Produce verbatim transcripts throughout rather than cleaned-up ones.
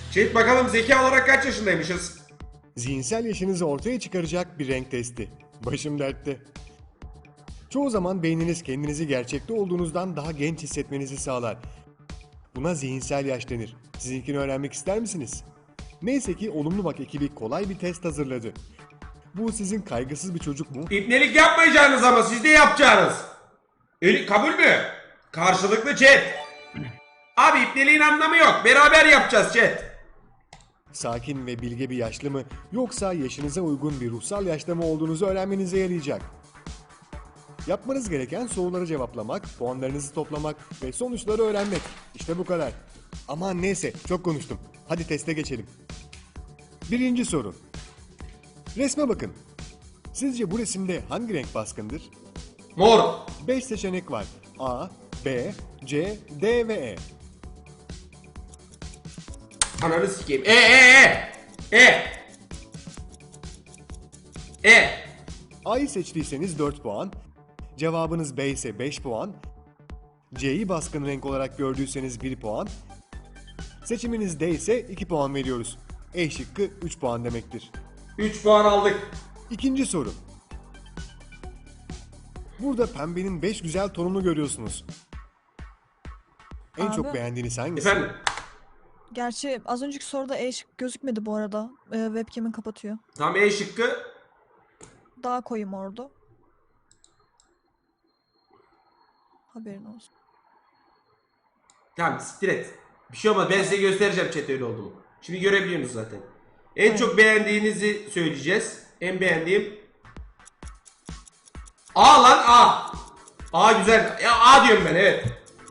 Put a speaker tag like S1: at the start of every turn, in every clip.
S1: Chat bakalım zeka olarak kaç yaşındaymışız?
S2: Zihinsel yaşınızı ortaya çıkaracak bir renk testi. Başım dertte. Çoğu zaman beyniniz kendinizi gerçekte olduğunuzdan daha genç hissetmenizi sağlar. Buna zihinsel yaş denir. Sizinkini öğrenmek ister misiniz? Neyse ki Olumlu Bak ekibi kolay bir test hazırladı. Bu sizin kaygısız bir çocuk mu?
S1: İpnelik yapmayacağınız ama siz de yapacağınız. Eli kabul mü? Karşılıklı chat. Abi ipneliğin anlamı yok. Beraber yapacağız chat.
S2: Sakin ve bilge bir yaşlı mı yoksa yaşınıza uygun bir ruhsal yaşta mı olduğunuzu öğrenmenize yarayacak. Yapmanız gereken soruları cevaplamak, puanlarınızı toplamak ve sonuçları öğrenmek. İşte bu kadar. Aman neyse, çok konuştum. Hadi teste geçelim. Birinci soru. Resme bakın. Sizce bu resimde hangi renk baskındır?
S1: Mor.
S2: beş seçenek var. A, B, C, D ve E.
S1: Ananı sikeyim. E e e. E. E.
S2: A'yı seçtiyseniz dört puan. Cevabınız B ise beş puan. C'yi baskın renk olarak gördüyseniz bir puan. Seçiminiz D ise iki puan veriyoruz. E şıkkı üç puan demektir.
S1: üç puan aldık.
S2: İkinci soru. Burada pembenin beş güzel tonunu görüyorsunuz. En
S3: Abi.
S2: çok beğendiğiniz hangisi?
S1: Efendim.
S3: Gerçi az önceki soruda E şık gözükmedi bu arada. Ee, webcam'in kapatıyor.
S1: Tam E şıkkı.
S3: Daha koyu mordu. Haberin olsun.
S1: Tamam siktir et. Bir şey olmaz. Ben size göstereceğim chat öyle oldu mu. Şimdi görebiliyorsunuz zaten. En
S3: Evet.
S1: çok beğendiğinizi söyleyeceğiz. En beğendiğim. A lan A. A güzel. Ya A diyorum ben, evet.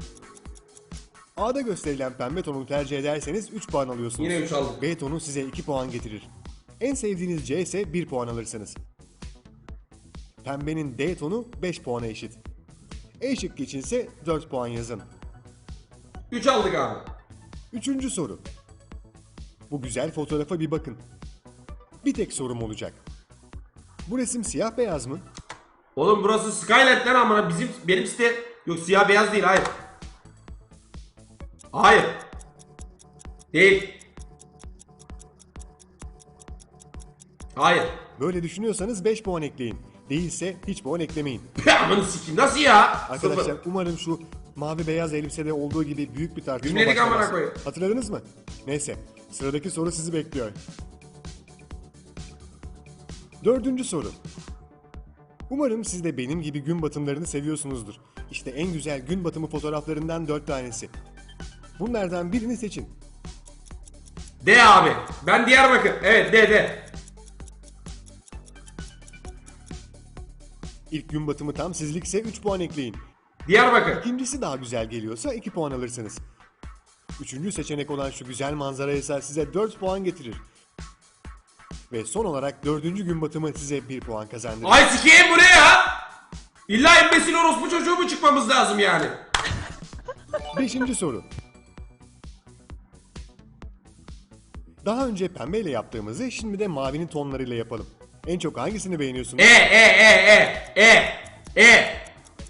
S2: A'da gösterilen pembe tonu tercih ederseniz üç puan alıyorsunuz.
S1: Yine üç aldım.
S2: B tonu size iki puan getirir. En sevdiğiniz C ise bir puan alırsınız. Pembenin D tonu beş puana eşit. E şıkkı içinse dört puan yazın.
S1: üç aldık abi.
S2: Üçüncü soru. Bu güzel fotoğrafa bir bakın. Bir tek sorum olacak. Bu resim siyah beyaz mı?
S1: Oğlum burası Skylight'ten amına bizim benim site yok, siyah beyaz değil, hayır. Hayır. Değil. Hayır.
S2: Böyle düşünüyorsanız beş puan ekleyin. Değilse hiç puan eklemeyin.
S1: Amanı sikeyim, nasıl ya?
S2: Arkadaşlar
S1: Sıfır.
S2: umarım şu mavi beyaz elbisede olduğu gibi büyük bir tartışma
S1: Cümlelik amına
S2: başlamaz.
S1: koyayım.
S2: Hatırladınız mı? Neyse, sıradaki soru sizi bekliyor. Dördüncü soru. Umarım siz de benim gibi gün batımlarını seviyorsunuzdur. İşte en güzel gün batımı fotoğraflarından dört tanesi. Bunlardan birini seçin.
S1: D abi. Ben Diyarbakır. Evet, D D.
S2: İlk gün batımı tam sizlikse üç puan ekleyin.
S1: Diyarbakır.
S2: İkincisi daha güzel geliyorsa iki puan alırsınız. Üçüncü seçenek olan şu güzel manzara ise size dört puan getirir. Ve son olarak dördüncü gün batımı size bir puan kazandırır.
S1: Ay sikeyim, bu ne ya? İlla embesil orospu çocuğu mu çıkmamız lazım yani?
S2: Beşinci soru. Daha önce pembeyle yaptığımızı şimdi de mavinin tonlarıyla yapalım. En çok hangisini beğeniyorsunuz?
S1: E e e e e e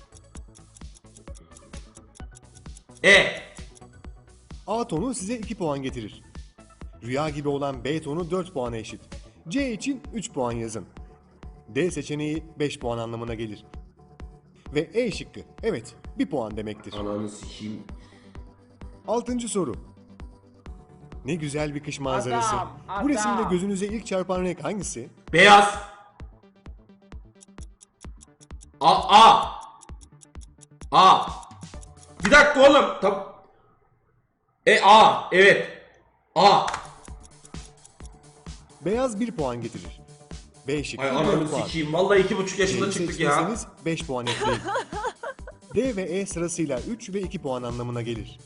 S1: E.
S2: A tonu size iki puan getirir. Rüya gibi olan B tonu dört puana eşit. C için üç puan yazın. D seçeneği beş puan anlamına gelir. Ve E şıkkı evet bir puan demektir.
S1: Ananı sikeyim.
S2: Altıncı soru. Ne güzel bir kış manzarası.
S1: Adam,
S2: Bu
S1: adam.
S2: resimde gözünüze ilk çarpan renk hangisi?
S1: Beyaz. A A. A. Bir dakika oğlum. Tam. E A. Evet. A.
S2: Beyaz bir puan getirir. B şıkkı
S1: Ay
S2: dört
S1: ananı
S2: puan.
S1: sikeyim. Vallahi iki buçuk yaşında
S2: C'yi
S1: çıktık ya.
S2: seçtiyseniz beş puan ekleyin. D ve E sırasıyla üç ve iki puan anlamına gelir.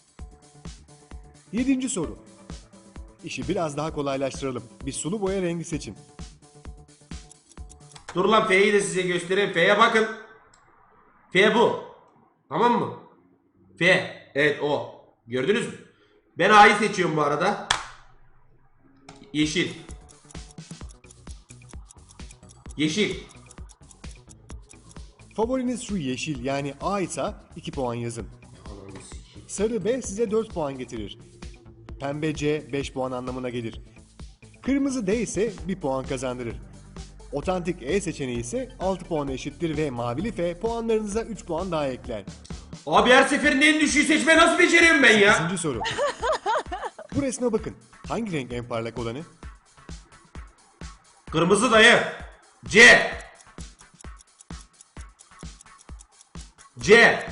S2: Yedinci soru. İşi biraz daha kolaylaştıralım. Bir sulu boya rengi seçin.
S1: Dur lan, F'yi de size göstereyim. F'ye bakın. F bu. Tamam mı? F. Evet o. Gördünüz mü? Ben A'yı seçiyorum bu arada. Yeşil. Yeşil.
S2: Favoriniz şu yeşil yani A ise iki puan yazın.
S1: Ananı sikeyim.
S2: Sarı B size dört puan getirir. Pembe C beş puan anlamına gelir. Kırmızı D ise bir puan kazandırır. Otantik E seçeneği ise altı puana eşittir ve mavili F puanlarınıza üç puan daha ekler.
S1: Abi her seferinde en düşüğü seçmeyi nasıl beceriyorum ben ya?
S2: Beşinci soru. Bu resme bakın. Hangi renk en parlak olanı?
S1: Kırmızı dayı. C. C.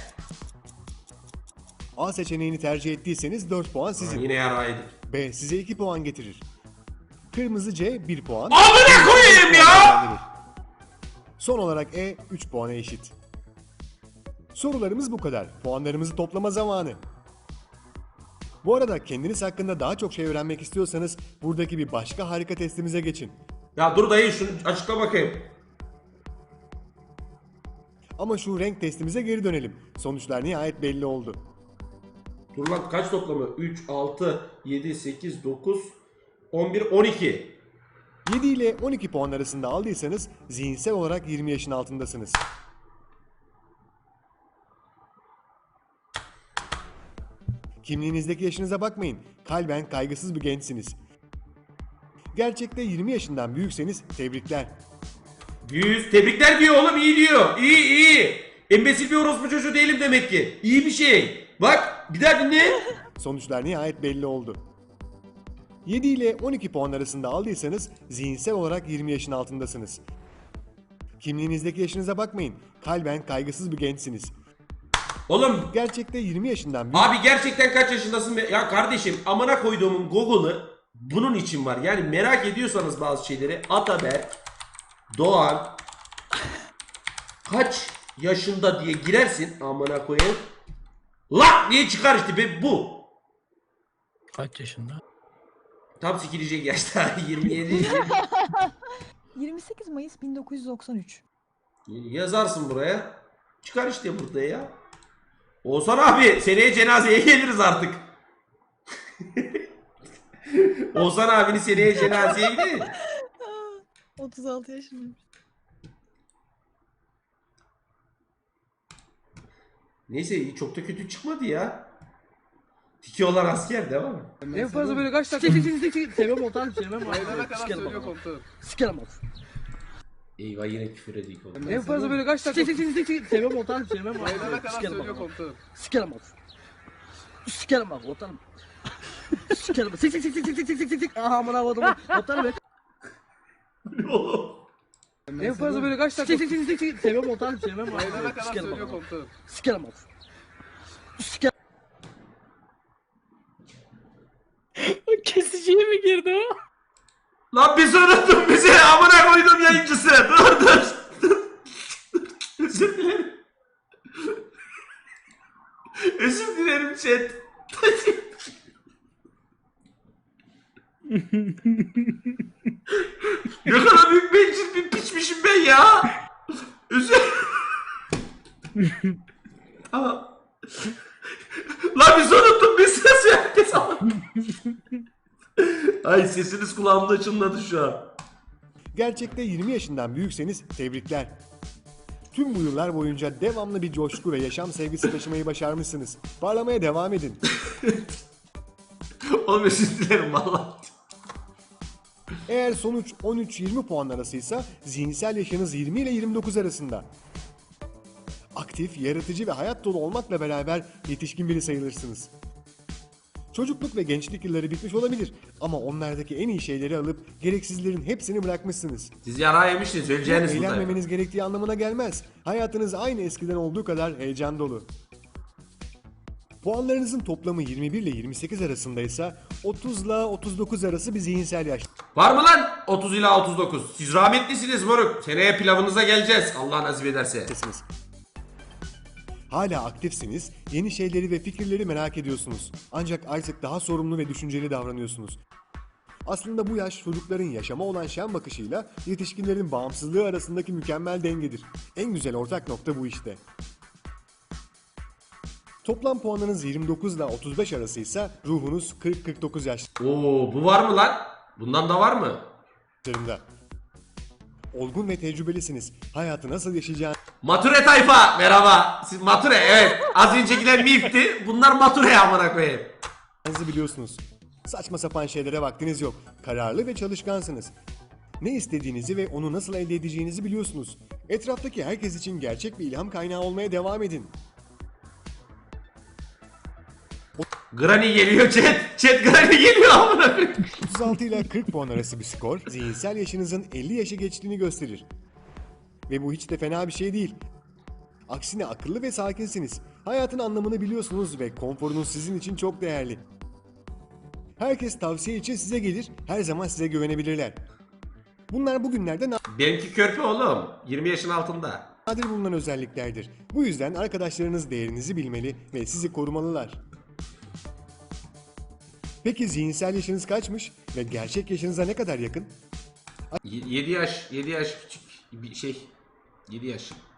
S2: A seçeneğini tercih ettiyseniz dört puan sizin.
S1: Yine yaraydı.
S2: B size iki puan getirir. Kırmızı C bir puan.
S1: Amına koyayım ya!
S2: kazandırır. Son olarak E üç puana eşit. Sorularımız bu kadar. Puanlarımızı toplama zamanı. Bu arada kendiniz hakkında daha çok şey öğrenmek istiyorsanız buradaki bir başka harika testimize geçin.
S1: Ya dur dayı şunu açıkla bakayım.
S2: Ama şu renk testimize geri dönelim. Sonuçlar nihayet belli oldu.
S1: Dur lan kaç toplamı? üç, altı, yedi, sekiz, dokuz, on bir, on iki.
S2: yedi ile on iki puan arasında aldıysanız zihinsel olarak yirmi yaşın altındasınız. Kimliğinizdeki yaşınıza bakmayın. Kalben kaygısız bir gençsiniz. Gerçekte yirmi yaşından büyükseniz tebrikler.
S1: yüz. Tebrikler diyor oğlum, iyi diyor. İyi iyi. Embesil bir orospu çocuğu değilim demek ki. İyi bir şey. Bak bir daha dinle.
S2: Sonuçlar nihayet belli oldu. yedi ile on iki puan arasında aldıysanız zihinsel olarak yirmi yaşın altındasınız. Kimliğinizdeki yaşınıza bakmayın. Kalben kaygısız bir gençsiniz.
S1: Oğlum
S2: Gerçekte yirmi yaşından büyük...
S1: abi gerçekten kaç yaşındasın? be- Ya kardeşim amına koyduğumun Google'ı bunun için var. Yani merak ediyorsanız bazı şeyleri Ataberk Doğan kaç yaşında diye girersin amına koyayım. Lak diye çıkar işte be bu.
S4: Kaç yaşında?
S1: Tam sikilecek yaşta yirmi yedi.
S3: yirmi sekiz Mayıs bin dokuz yüz doksan üç.
S1: Yazarsın buraya. Çıkar işte burada ya. Oğuzhan abi seneye cenazeye geliriz artık. Oğuzhan abini seneye cenazeye gidelim.
S3: otuz altı yaşındayım.
S1: Neyse çok da kötü çıkmadı ya. Tiki olan asker devam mı?
S4: En fazla böyle kaç dakika? Çek çek çek çek. Sevmem otan sevmem.
S5: Ayrılana kadar söylüyor komutanım.
S4: Sikerim bak.
S1: Eyvah yine küfür ediyor oğlum.
S4: En fazla böyle kaç dakika? Çek çek çek çek. Sevmem otan sevmem.
S5: Ayrılana kadar
S4: Sikerim
S5: söylüyor
S4: bak.
S5: komutanım.
S4: Sikerim bak. Sikerim bak otanım. Sikerim bak. Sik sik sik sik sik sik sik sik sik. Aha amına koydum. Otanım be. En fazla böyle kaç dakika? Çek çek çek çek. Sevmem otan sevmem.
S5: Ayrılana kadar
S4: Sikerim
S5: söylüyor
S4: bak.
S5: komutanım.
S4: Sikerim bak. Sikerim. Kesiciye mi girdi o?
S1: Lan biz unuttum bizi amına koydum yayıncısı. Dur dur. dur. Özür dilerim. Özür dilerim chat. Ne kadar büyük bencil bir piçmişim ben ya. Özür. Tamam. Lan biz unuttum biz ses herkes ama. Ay sesiniz kulağımda çınladı şu an.
S2: Gerçekte yirmi yaşından büyükseniz tebrikler. Tüm bu yıllar boyunca devamlı bir coşku ve yaşam sevgisi taşımayı başarmışsınız. Parlamaya devam edin.
S1: Oğlum özür dilerim valla.
S2: Eğer sonuç on üç yirmi puan arasıysa zihinsel yaşınız yirmi ile yirmi dokuz arasında. Aktif, yaratıcı ve hayat dolu olmakla beraber yetişkin biri sayılırsınız. Çocukluk ve gençlik yılları bitmiş olabilir ama onlardaki en iyi şeyleri alıp gereksizlerin hepsini bırakmışsınız.
S1: Siz yara yemişsiniz öleceğiniz burada.
S2: Eğlenmemeniz gerektiği anlamına gelmez. Hayatınız aynı eskiden olduğu kadar heyecan dolu. Puanlarınızın toplamı yirmi bir ile yirmi sekiz arasındaysa otuz ile otuz dokuz arası bir zihinsel yaş.
S1: Var mı lan? otuz ila otuz dokuz. Siz rahmetlisiniz moruk. Seneye pilavınıza geleceğiz. Allah nasip ederse.
S2: Siz. Hala aktifsiniz, yeni şeyleri ve fikirleri merak ediyorsunuz. Ancak artık daha sorumlu ve düşünceli davranıyorsunuz. Aslında bu yaş çocukların yaşama olan şen bakışıyla yetişkinlerin bağımsızlığı arasındaki mükemmel dengedir. En güzel ortak nokta bu işte. Toplam puanınız yirmi dokuz ile otuz beş arasıysa ruhunuz kırk kırk dokuz
S1: Oo bu var mı lan? Bundan da var mı?
S2: yaşlarında. Olgun ve tecrübelisiniz. Hayatı nasıl yaşayacağınızı
S1: Mature tayfa merhaba. Siz mature evet. Az öncekiler mifti. Bunlar mature amına koyayım.
S2: biliyorsunuz. Saçma sapan şeylere vaktiniz yok. Kararlı ve çalışkansınız. Ne istediğinizi ve onu nasıl elde edeceğinizi biliyorsunuz. Etraftaki herkes için gerçek bir ilham kaynağı olmaya devam edin.
S1: Granny geliyor chat. Chat Granny geliyor amına koyayım.
S2: otuz altı ile kırk puan arası bir skor, zihinsel yaşınızın elli yaşı geçtiğini gösterir. Ve bu hiç de fena bir şey değil. Aksine akıllı ve sakinsiniz. Hayatın anlamını biliyorsunuz ve konforunuz sizin için çok değerli. Herkes tavsiye için size gelir, her zaman size güvenebilirler. Bunlar bugünlerde
S1: Benimki körpe oğlum. yirmi yaşın altında.
S2: nadir bulunan özelliklerdir. Bu yüzden arkadaşlarınız değerinizi bilmeli ve sizi korumalılar. Peki zihinsel yaşınız kaçmış ve gerçek yaşınıza ne kadar yakın?
S1: yedi yaş, yedi yaş küçük bir şey. yedi yaş.